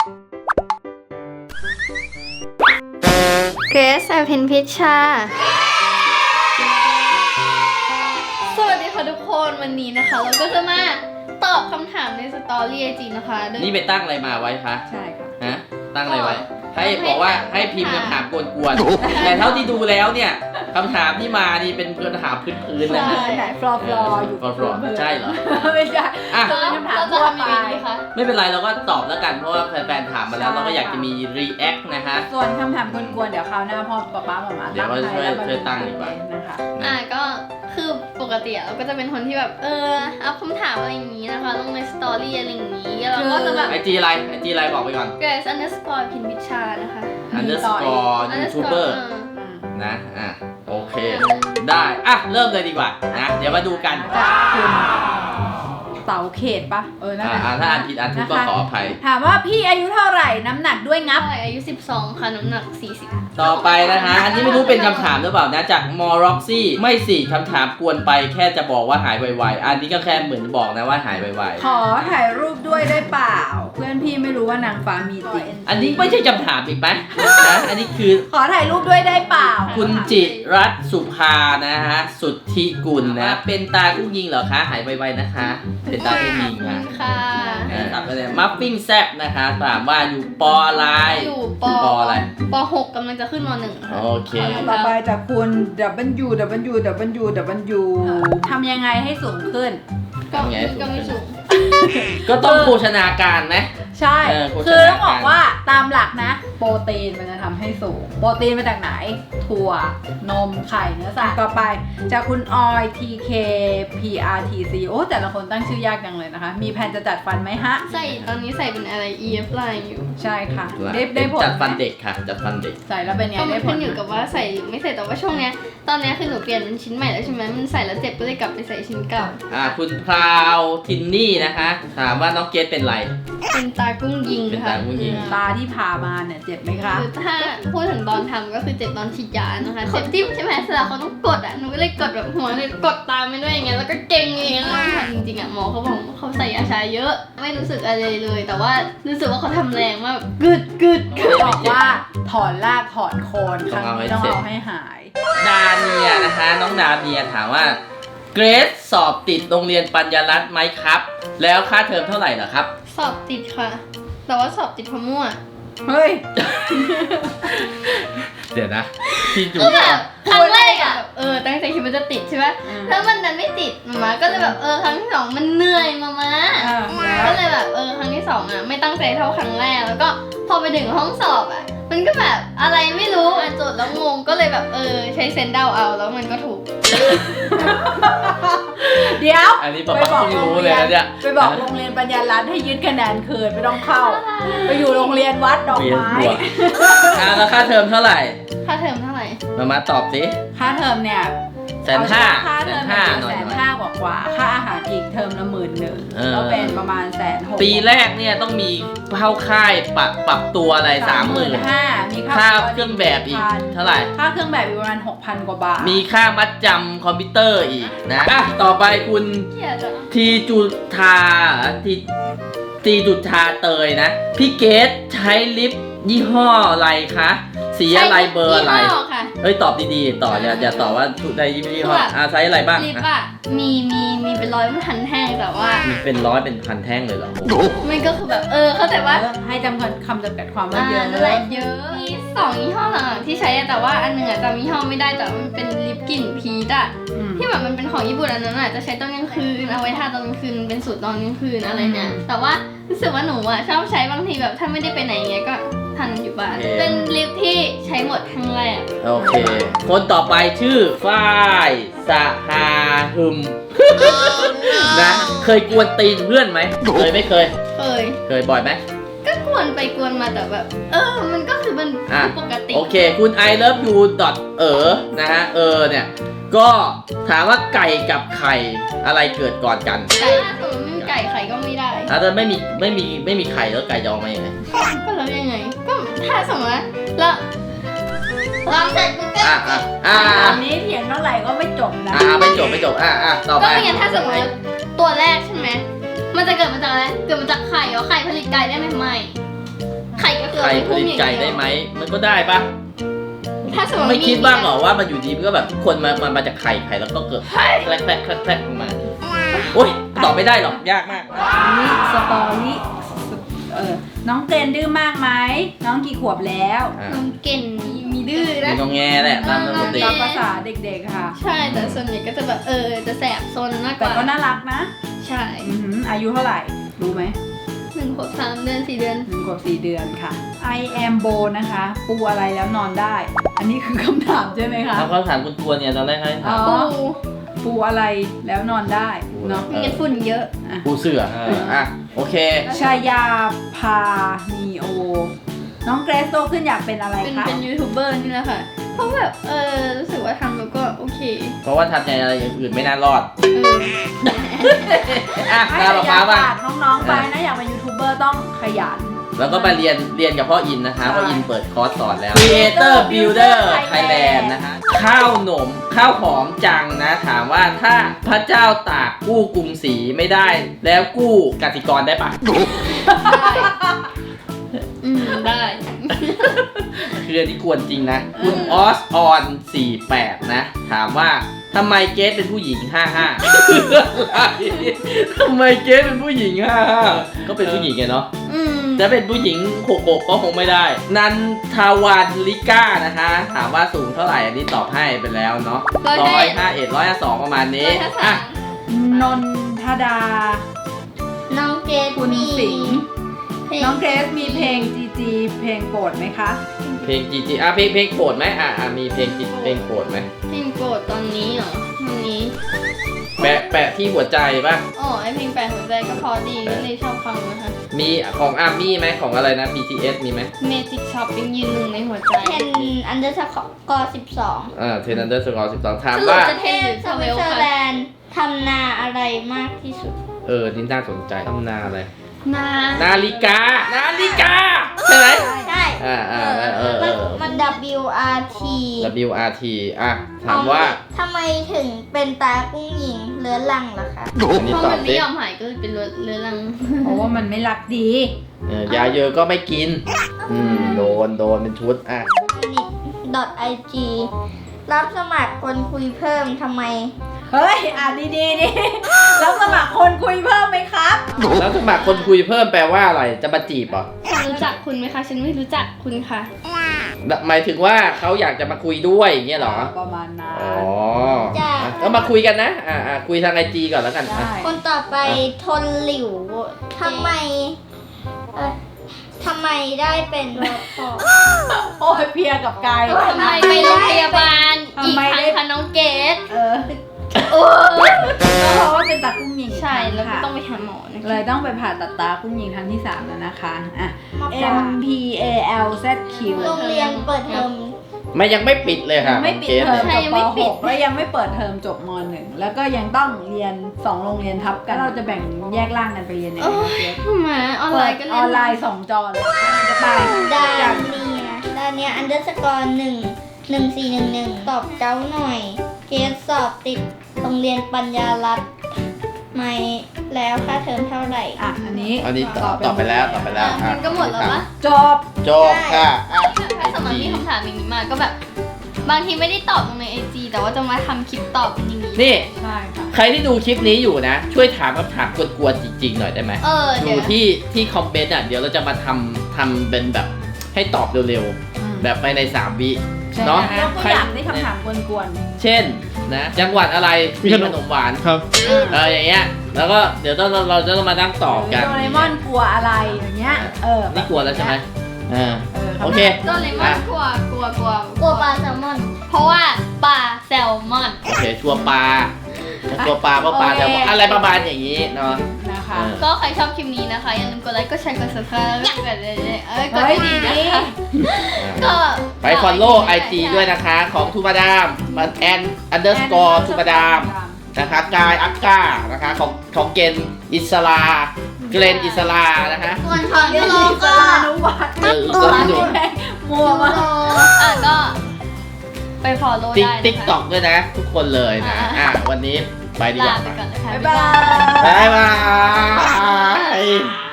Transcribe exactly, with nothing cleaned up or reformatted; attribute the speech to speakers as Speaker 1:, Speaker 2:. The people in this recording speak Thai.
Speaker 1: เกรซอภินพิชชาสวัสดีค่ะทุกคนวันนี้นะคะเราก็จะมาตอบคำถามในสตอรี่ไอจีนะคะโดย
Speaker 2: นี่ไปตั้งอะไรมาไว้คะ
Speaker 3: ใช่ค่ะ
Speaker 2: ฮะตั้งอะไรไว้ ให้
Speaker 1: ให้
Speaker 2: บอกว่า
Speaker 1: ให้
Speaker 2: ให้พิมพ์
Speaker 1: ถาม
Speaker 2: คำถามกวนๆแต่เท่าที่ดูแล้วเนี่ยคำถามที่มานี่เป็นคำถามพื้นๆนะ
Speaker 3: ใช่ไหนฟลอฟลออยู่
Speaker 2: ฟลอฟลอใช่เหรอ
Speaker 3: ไม่ใช่
Speaker 2: อ่ะ
Speaker 3: เป็นคำถาม
Speaker 1: เราจะ
Speaker 3: ทั่ว
Speaker 1: ทำ
Speaker 3: ไป
Speaker 1: ยังไงดีคะ
Speaker 2: ไม่เป็นไรเราก็ตอบแล้วกันเพราะว่าแฟนๆถามมาแล้ว
Speaker 3: ใช่
Speaker 2: เราก็อยากจะมี react นะฮะ
Speaker 3: ส่วนคำถามกวนๆเดี๋ยวคราวหน้าพ่อป๊าป๊าหมามา
Speaker 2: เดี๋ยวเราช่วยช่วยตั้งดีกว่า
Speaker 3: นะคะ
Speaker 1: อ่ะก็คือปกติอะเราก็จะเป็นคนที่แบบเอออัพคำถามอะไรอย่างนี้นะคะลงในสตอรี่อะไรอย่างนี้เราก็จะแบบ
Speaker 2: ไอจีอะไรไอจีอะไรบอกไปก่อน
Speaker 1: เกรซ underscore พินพิชชานะคะ
Speaker 2: underscore youtuber
Speaker 3: อืม
Speaker 2: นะอ่ะโอเค ได้อ่ะเริ่มเลยดีกว่านะเดี๋ยวมาดูกัน
Speaker 3: จากคุณเสาเขตปะเออนั่นแห
Speaker 2: อ่า
Speaker 3: ละ
Speaker 2: ถ้าอ่านผิดอ่านถูกก็ขออภัย
Speaker 3: ถามว่าพี่อายุเท่าไหร่น้ำหนักด้วยงับ
Speaker 1: ใช่อายุสิบสองค่ะน้ำหนักสี่สิบ
Speaker 2: ต่อไปนะคะ อันนี้ไม่รู้เป็นคำถามหรือเปล่านะ จากมอร็อกซี่ ไม่สิคำถามกวนไปแค่จะบอกว่าหายไวๆ อันนี้ก็แค่เหมือนบอกนะว่าหายไว
Speaker 3: ขอถ่ายรูปด้วยได้เปล่า เพื่อนพี่ไม่รู้ว่านางฟ้ามีจริง
Speaker 2: ๆ อันนี้ไม่ใช่คำถามอีกไหมนะ อันนี้คือ
Speaker 3: ขอถ่ายรูปด้วยได้เปล่า
Speaker 2: คุณจิรัตน์สุภานะฮะ สุทธิกุลนะ เป็นตากุ้งยิงเหรอคะ หายไวๆนะคะ เป็นตากุ้งยิงค่ะ
Speaker 1: ค่ะ
Speaker 2: เออตัดไปเลยมัฟฟิ้งแซบนะคะ ถามว่าอยู่ปออะไร
Speaker 1: อยู่ป
Speaker 2: ปออะไร
Speaker 1: ปหกกำลังจะขึ้นมหนึ่งค่ะ
Speaker 2: โอเค
Speaker 3: ต่อไปจากคุณ W W W W ทำยังไงให้สูงขึ้น
Speaker 1: ก็
Speaker 2: ไง
Speaker 1: ก็ไม่สูง
Speaker 2: ก็ต้องโภชนาการไหม
Speaker 3: ใช่
Speaker 2: เออโภชนาการ
Speaker 3: คือต้องบอกว่าตามหลักนะ โปรตีนมันจะทำให้สูง โปรตีนมาจากไหน ถั่ว นม ไข่ เนื้อสัตว์ต่อไป จากคุณออย ที เค พี อาร์ ที ซี โอ้ แต่ละคนตั้งชื่อยากจังเลยนะคะ มีแผนจะจัดฟันไหมฮะ
Speaker 1: ใส่ตอนนี้ใส่เป็นอะไร อี เอฟ line อยู่
Speaker 3: ใช่ค่ะ ได้ได้ผล
Speaker 2: จัดฟัน
Speaker 3: ไหม
Speaker 2: เด็กค่ะ จัดฟันเด็ก
Speaker 3: ใส่แล้วเป็นไง
Speaker 1: ก็มั
Speaker 3: ได้
Speaker 1: น
Speaker 3: ผ
Speaker 1: ขึ้
Speaker 3: ล
Speaker 1: น
Speaker 3: ไห
Speaker 1: อยู่
Speaker 3: ม
Speaker 1: กับว่าใส่หรือไม่ใส่แต่ว่าช่วงเนี้ยตอนเนี้ยคือหนูเปลี่ยนเป็นชิ้นใหม่แล้วใช่ไหมมันใส่แล้วเจ็บก็เลยกลับไปใส่ชิ้นเก่า
Speaker 2: อ่าคุณพราวทินนี่นะคะ ถามว่าน้องเกดเป็นไร
Speaker 1: เป็นตากุ้งยิง
Speaker 2: เป็น
Speaker 1: ค่ะ
Speaker 2: ตากุ้งยิง
Speaker 3: ตาที่ผ่ามาเนี่ยเจ็บไหมคะ
Speaker 1: คือถ้าพูดถึงตอนทำก็คือเจ็บตอนฉีดยานะคะเจ็บที่ใช่ไหมเสร็จแล้วเขาต้องกดอ่ะหนูก็เลยกดแบบหัวเลยกดตามไปด้วยอย่างเงี้ยแล้วก็เก่งอย่างเงี้ยแล้วทำจริงๆอ่ะหมอเขาบอกเขาใส่ยาชาเยอะ ไม่รู้สึกอะไรเลย แต่ว่ารู้สึกว่าเขาทำแรงมากแบบกึดกึดกึด
Speaker 3: บอกว่าถอนรากถอนโคนครั้งนี้ต้องเอาให้หาย
Speaker 2: ดาเนียนะคะ น้องดาเนียถามว่าเกรซสอบติดโรงเรียนปัญญารัตน์ไหมครับ แล้วค่าเทอมเท่าไหร่เหรอครับ
Speaker 1: สอบติดค่ะ แต่ว่าสอบติดเพราะมั่ว
Speaker 3: เฮ้ย
Speaker 2: เดี๋ยวนะพี่จู
Speaker 1: ก็แบบครั้งแรกอ่ะเออตั้งใจคิดว่าจะติดใช่ไหม
Speaker 3: อืม
Speaker 1: แล้วมันนั้นไม่ติดมามาก็เลยแบบเออครั้งที่สองมันเหนื่อยมามา
Speaker 3: อ่า
Speaker 1: ก็เลยแบบเออครั้งที่สองอ่ะไม่ตั้งใจเท่าครั้งแรกแล้วก็พอไปถึงห้องสอบอ่ะมันก็แบบอะไรไม่รู้อ่ะโจทย์แล้วงงก็เลยแบบเออใช้เซนส์เดาเอาแล้วมันก็ถูก
Speaker 3: เดี๋ยว
Speaker 2: อันนี้ป๊าป๊าเพิ่งรู้เลยนะเนี่ย
Speaker 3: ไปบอกโรงเรียนปัญญารัตน์ให้ยึดคะแนนคืนไม่ต้องเข้า ไปอยู่โรงเรียนวัดดอก
Speaker 2: เรียน
Speaker 3: ไม้
Speaker 2: หัวอ่าแล้วค่าเทอมเท่าไหร่
Speaker 1: ค่าเทอมเท่าไหร่
Speaker 2: มามาตอบสิ
Speaker 3: ค่าเทอมเนี่ย
Speaker 2: แสนห้า
Speaker 3: ค่า
Speaker 2: แส
Speaker 3: เทอน ม
Speaker 2: ห้า
Speaker 3: เนี่ย
Speaker 2: หน่อ
Speaker 3: แส
Speaker 2: ย
Speaker 3: น
Speaker 2: หน่อย
Speaker 3: ห้ากว่ากว่าค่าอาหารอีกเทอมละหมื่นหนึ่ง
Speaker 2: เออ
Speaker 3: ก็เป็นประมาณแสนหก
Speaker 2: ปีแรกเนี่ยต้องมีเข้าค่ายปรับปรับตัวอะไรสามหมื่น
Speaker 3: ห้ามี
Speaker 2: ค่าเครื่องแบบอีกเท่าไหร่
Speaker 3: ค่าเครื่องแบบอีกประมาณหกพันกว่าบาท
Speaker 2: มีค่ามัดจำคอมพิวเตอร์อีกนะอ่ะต่อไปคุณ
Speaker 1: เกียดอ่ะ
Speaker 2: ทีจุธาทีทีจุธาเตยนะ พี่เกดใช้ลิปยี่ห้ออะไรคะ สีอะไรเบอร์อะไร
Speaker 1: ยี่ห้อค่ะ
Speaker 2: เฮ้ย ตอบดีๆ ต่ออย่าอย่าตอบว่าทุกใดยี่ห้อ
Speaker 1: แบบ
Speaker 2: อ่าใช้อะไรบ้าง
Speaker 1: ลิป
Speaker 2: อ่ะ
Speaker 1: อ่ะมีมีมีเป็นร้อยมันทันแห้งแต่ว่า
Speaker 2: มีเป็นร้อยเป็นพันแท่งเลยเหรอ
Speaker 1: มันก็คือแบบเออเข้าใจว่า
Speaker 3: ให้จำคำคำจำกัดความว่า
Speaker 1: อ่า
Speaker 3: เยอะ
Speaker 1: นั่นแหละเยอะมีสองยี่ห้อหลังๆที่ใช้อะแต่ว่าอันหนึ่งอะจำยี่ห้อไม่ได้แต่ว่ามันเป็นลิปกลิ่นพีชอะ
Speaker 3: อืม
Speaker 1: ที่แบบมันเป็นของญี่ปุ่นอันนั้นอะจะใช้ตอนกลางคืนเอาไว้ทาตอนกลางคืนเป็นสูตรตอนกลางคืนอะไรเนี่ย
Speaker 3: อืม
Speaker 1: แต่ว่ารู้สึกว่าหนูอะชอบใช้บางทีแบบถ้าไม่ได้ไปไหนเงี้ยก็ทานอยู่บ้านเป็นลิปที่ใช้หมดครั้งแรก
Speaker 2: โอเค คนต่อไปชื่อฝ้ายสหาหึม นะ เคยกวนตีนเพื่อนไหมเคยไม่เคย
Speaker 1: เคย
Speaker 2: เคยบ่อยไหม
Speaker 1: ก็กวนไปกวนมาแต่แบบ เออมันก็คือมัน
Speaker 2: อ่ะ
Speaker 1: ปกติ
Speaker 2: โอเค คุณ I love you เออนะฮะ เออเนี่ย ก็ถามว่าไก่กับไข่อะไรเกิดก่อนกัน
Speaker 1: ไก่ถ้าสมมติไม่มีไก่ไข่ก็ไม่ได้
Speaker 2: ถ้าจะไม่มีไม่มีไม่มีไข่แล้วไก่จะออกมายังไง
Speaker 1: ก็แล้วยังไง ก็ถ้าสมมติว่าแล้วลองเสร็จปุ๊บก็
Speaker 2: อ่ะอ่ะอ่ะ
Speaker 3: อันนี้เถียงเท่าไหร่ก็ไม่จบนะ
Speaker 2: อ่ะไปจบไปจบอ่ะอ่ะต่อไป
Speaker 1: ก็ไม่งั้นถ้าสมมติว่าตัวแรกใช่ไหมมันจะเกิดมาจากอะไรเกิดมาจากไข่เหรอไข่ผลิตไก่ได้ไหมไม่
Speaker 2: ไข่ผลิตไก่ได้ไหมมันก็ได้ปะ
Speaker 1: ถ้าสมมติ
Speaker 2: ไม่คิดบ้างเหรอว่ามันอยู่ดีมันก็แบบทุกคนมามามาจากไข่ไข่แล้วก็เกิดแคลกแคลกแคลกแคลกออกมาโอ้ยตอบไม่ได้หรอกยากมาก
Speaker 3: นี่สตอรี่เออน้องเกรนดื้อมากไหมน้องกี่ขวบแล้ว
Speaker 2: อ่ะ
Speaker 1: น้องเก่งมีดื้อ
Speaker 2: มี
Speaker 1: นะ
Speaker 2: งองแงแหละตามปกติ
Speaker 3: ตามภาษาเด็กๆค่ะ
Speaker 1: ใช่แต่ส่วนใหญ่ก็จะแบบเออจะแสบซนมากก
Speaker 3: แต่
Speaker 1: ว่า
Speaker 3: ก็น่ารักนะ
Speaker 1: ใช่
Speaker 3: อื้อหืออายุเท่าไหร่รู้ไหม
Speaker 1: หนึ่งขวบสามเดือนสี่เดือน
Speaker 3: หนึ่งขวบสี่เดือนค่ะ I am Bo นะคะ ปูอะไรแล้วนอนได้ อันนี้คือคำถามใช่ไหมคะ
Speaker 2: แล้วก็ถามคุณตัวเนี่ยตอนแรกให้ถาม
Speaker 3: อ๋อ
Speaker 1: ปู
Speaker 3: ปูอะไรแล้วนอนได้เนาะ
Speaker 1: มีฝุ่นเยอะ
Speaker 2: ปูเสือเอออ่ะโอเค
Speaker 3: ชายาพานีโอ น้องเกรซโตขึ้นอยากเป็นอะไร
Speaker 1: เป็น
Speaker 3: คะ
Speaker 1: เป็นยูทูบเบอร์นี่แหละค่ะ เพราะแบบเออรู้สึกว่าทำแล้วก็โอเค
Speaker 2: เพราะว่าทำในอะไรอย่างอื่นไม่น่ารอด
Speaker 1: เออ
Speaker 2: อ่ะ
Speaker 3: ให้
Speaker 2: ตาม
Speaker 3: ชา
Speaker 2: ป๊าย
Speaker 3: า
Speaker 2: ป๊าบ้าง
Speaker 3: ฝากน้องๆไปนะอยากเป็นยูทูบเบอร์ต้องขยัน
Speaker 2: แล้วก็มาเรียนเรียนกับพ่ออินนะคะ
Speaker 3: ใช่
Speaker 2: พ่ออินเปิดคอร์สสอนแล้ว Creator Builder Thailand นะคะ ข้าวหนมข้าวหอมจังนะ ถามว่าถ้าพระเจ้าตากกู้กรุงศรีไม่ได้ แล้วกู้กสิกรได้ปะ
Speaker 1: อืมได้
Speaker 2: คืออันนี้กวนจริงนะ คุณออสออนสี่แปดนะ ถามว่าทำไมเกสเป็นผู้หญิง ห้าห้า ทำไมเกสเป็นผู้หญิง ห้าห้า ก็เป็นผู้หญิงไงเนาะ
Speaker 1: อืม
Speaker 2: จะเป็นผู้หญิงหกหกก็คงไม่ได้ นันทวันลิก้านะคะ ถามว่าสูงเท่าไหร่ อันนี้ตอบให้ไปแล้วเนาะร้อยห้าเอ็ดร้อยสองประมาณนี้
Speaker 1: ร้อยห้าสา
Speaker 2: อ่ะ
Speaker 1: ม
Speaker 3: นนทดา
Speaker 1: น้องเกด
Speaker 3: คุณ
Speaker 1: มี
Speaker 3: สิงห์
Speaker 1: เพลง
Speaker 3: น้องเกรซมีเพลงจีจีเพลงโปรดไหมคะ
Speaker 2: เพลงจีจีอ่ะเพลงเพลงโปรดไหมอ่ะอ่ะมีเพลงจีเพลงโปรดไหม
Speaker 1: เพลงโปรดตอนนี้เหรอตอนนี้
Speaker 2: แปะแปะที่หัวใจป่ะ
Speaker 1: อ๋อไอเพลงแปลหัวใจก็พอดีก็เลยชอบฟังนะคะ
Speaker 2: มีของอาร์มี่ไหมของอะไรนะ บี ที เอส มีไหม
Speaker 1: Magic Shop ยังยืนหนึ่งในหัวใจ
Speaker 4: เทนอันเดอร์สกอร์สิบสอง
Speaker 2: อ่าเทนนันเดอร์สกอร์สิบสองถาม
Speaker 1: สรุป
Speaker 2: ว่า
Speaker 1: จะ
Speaker 4: ประเทศสวิตเซอร์แลนด์ทำนาอะไรมากที่สุด
Speaker 2: เออ นี่น่าสนใจทำนาอะไร
Speaker 1: นา
Speaker 2: นาฬิกา นาฬิกา ใช่ไหม
Speaker 4: ใช่
Speaker 2: อ่าอ่าเออเออเอ
Speaker 4: มัน
Speaker 2: อ
Speaker 4: มัน W R T
Speaker 2: W R T อ่ะ ถามว่า
Speaker 4: ทำไมถึงเป็นตากุ้งหญิงเรื้อรังล่ะคะ
Speaker 2: อันนี้
Speaker 1: เพราะ
Speaker 2: ตอ
Speaker 1: มั
Speaker 2: บ
Speaker 1: น
Speaker 2: ดิ
Speaker 1: ไม่ยอมหายก็เลยเป็นเรื้อรัง
Speaker 3: เพราะว่ามันไม่รักดี
Speaker 2: เออยาเยอะก็ไม่กิน อืม โดน โดนเป็นชุด อ่ะ
Speaker 4: .ig รับสมัครคนคุยเพิ่มทำไม
Speaker 3: เฮ้ย อ่านดีๆนี่แล้วสมัครคนคุยเพิ่มไหมครับ
Speaker 2: แล้วสมัครคนคุยเพิ่มแปลว่าอะไร จะมาจีบเหรอ
Speaker 1: ฉันรู้จักคุณไหมคะ ฉันไม่รู้จักคุณค่ะ
Speaker 2: หมายถึงว่าเขาอยากจะมาคุยด้วยอย่างเงี้ยเหรอ
Speaker 3: ประมาณนั้น
Speaker 2: อ๋อ
Speaker 4: จ้ะ
Speaker 2: อ่ะก็มาคุยกันนะ อ่าอ่าคุยทางไอจีก่อนแล้วกันอ่ะ
Speaker 3: ได้
Speaker 4: คนต่อไปทนหลิวทำไมเอ่อทำไมได้เป็นรปภ
Speaker 3: โอ้ยเพลียกับกาย
Speaker 1: ทำไมไปโรงพยาบาล
Speaker 3: ทำ
Speaker 1: อีก
Speaker 3: ไม
Speaker 1: ครั้ง
Speaker 3: ได้
Speaker 1: คะน้องเกด
Speaker 3: เออ
Speaker 1: โอ้
Speaker 3: ก็เพราะว่าเป็นตากุ้งยิง
Speaker 1: ใช่แล้วก็
Speaker 3: ค่ะ
Speaker 1: ต้องไปหาหมอนะคะ
Speaker 3: เลยต้องไปผ่าตัดตากุ้งยิงครั้งที่สามแล้วนะคะอ่ะ
Speaker 4: มา
Speaker 3: M P A L Z Q
Speaker 4: โรงเรียนเปิดเทอม
Speaker 2: ไม่ยังไม่ปิดเลยค่ะ
Speaker 3: ไม่ปิด
Speaker 2: กส
Speaker 3: เทอม
Speaker 2: นี่ย
Speaker 3: จบป .หก แล้วยังไม่เปิดเทอมจบม .หนึ่ง แล้วก็ยังต้องเรียนสองโรงเรียนทับกันเราจะแบ่งแยกร่างกันไปเรียนยังไงคะเจ๊
Speaker 1: หมาออนไล
Speaker 3: เปิด
Speaker 1: น์ก็
Speaker 3: อ
Speaker 1: เล่
Speaker 3: อน
Speaker 1: น
Speaker 3: ไลน์สองจอเลยจะไป
Speaker 4: ด้า
Speaker 3: จาก
Speaker 4: นนี้นะด้านเนี้ยอันเดอร์สกอร์หนึ่งหนึ่งสี่หนึ่งหนึ่งตอบเจ้าหน่อย เกรดสอบติดโรงเรียนปัญญารัตน์ไหมแล้วค่าเทอมเท่าไหร่
Speaker 3: อ่ะอันนี้
Speaker 2: อันนี้ตอบตอบไปแล้วตอบไปแล้ว
Speaker 1: อ่ะมันก็หมดแล้วปะ
Speaker 3: จบ
Speaker 2: จบค่ะอ่ะ
Speaker 1: ถ้าสมมติมีคำถามอย่างนี้มาก็แบบ บางทีไม่ได้ตอบลงในไอจีแต่ว่าจะมาทำคลิปตอบเป็นอย่างนี้
Speaker 2: นี่
Speaker 3: ใช่ค่ะ
Speaker 2: ใครที่ดูคลิปนี้อยู่นะ ช่วยถามคำถามกวนๆจริงๆหน่อยได้ไหม
Speaker 1: เออ
Speaker 2: ดู
Speaker 1: เดี๋ยว
Speaker 2: ที่ที่คอมเมนต์อ่ะ เดี๋ยวเราจะมาทำทำเป็นแบบให้ตอบเร็วๆ แบบภายในสามวิ
Speaker 3: ใช่
Speaker 2: เนาะ
Speaker 3: ยกตัวอย่างได้คำถามกวน
Speaker 2: เช่นนะ จังหวัดอะไรมีขนมหวาน
Speaker 5: ครับ
Speaker 3: ๆ
Speaker 2: เอออย่างเงี้ย แล้วก็เดี๋ยวต้องเราเราจะต้องมานั่งตอบกัน
Speaker 3: โดเรมอนกลัวอะไรอย่างเงี้ย เออ
Speaker 2: นี่กลัวแล้วใช่ไหมอ่า
Speaker 3: เออ
Speaker 2: โอเค
Speaker 1: โดเรมอนกลัวกลัวกลัว
Speaker 4: กลัวปลาแซลมอน
Speaker 1: เพราะว่าปลาแซลมอน
Speaker 2: โอเค ชัวร์ปลาชัวร์ปลาเพราะปลาจะบอกอะไรประมาณอย่างนี้เนาะ
Speaker 3: นะคะ
Speaker 2: เออ
Speaker 1: ก็ใครชอบคลิปนี้นะคะ อย่าลืมกดไลค์ กดแชร์ กด subscribe แล้วก็กดเลยเอ้ยกด
Speaker 3: เฮ้ย
Speaker 1: ดี
Speaker 3: ดี
Speaker 1: ๆนะคะ ก็
Speaker 2: ไป follow ไอ จี ด้วยนะคะ ของทูมาดามมันแอนอันเดอร์สกอร์ทูมาดามนะคะกายอักกานะคะของของเกนอิสลาเกรนอิสลานะคะ
Speaker 4: ส่วนของ
Speaker 3: เรีย
Speaker 4: ยู
Speaker 3: น
Speaker 4: โร
Speaker 3: อิส
Speaker 4: ก็
Speaker 3: ลานุวัฒน์
Speaker 2: เอออิสลานุ
Speaker 3: มัวมาก
Speaker 1: อ่ะก็ไป follow
Speaker 2: ติ๊ก
Speaker 1: ได้นะคะ
Speaker 2: ติ๊กต็อกด้วยนะ ทุกคนเลยนะ
Speaker 1: อ่า
Speaker 2: อ่ะวันนี้ไปดีก
Speaker 1: ลา
Speaker 2: ว่า
Speaker 1: ไปก่อนเลยค่ะ
Speaker 3: บ๊ายบาย
Speaker 2: บ๊ายบาย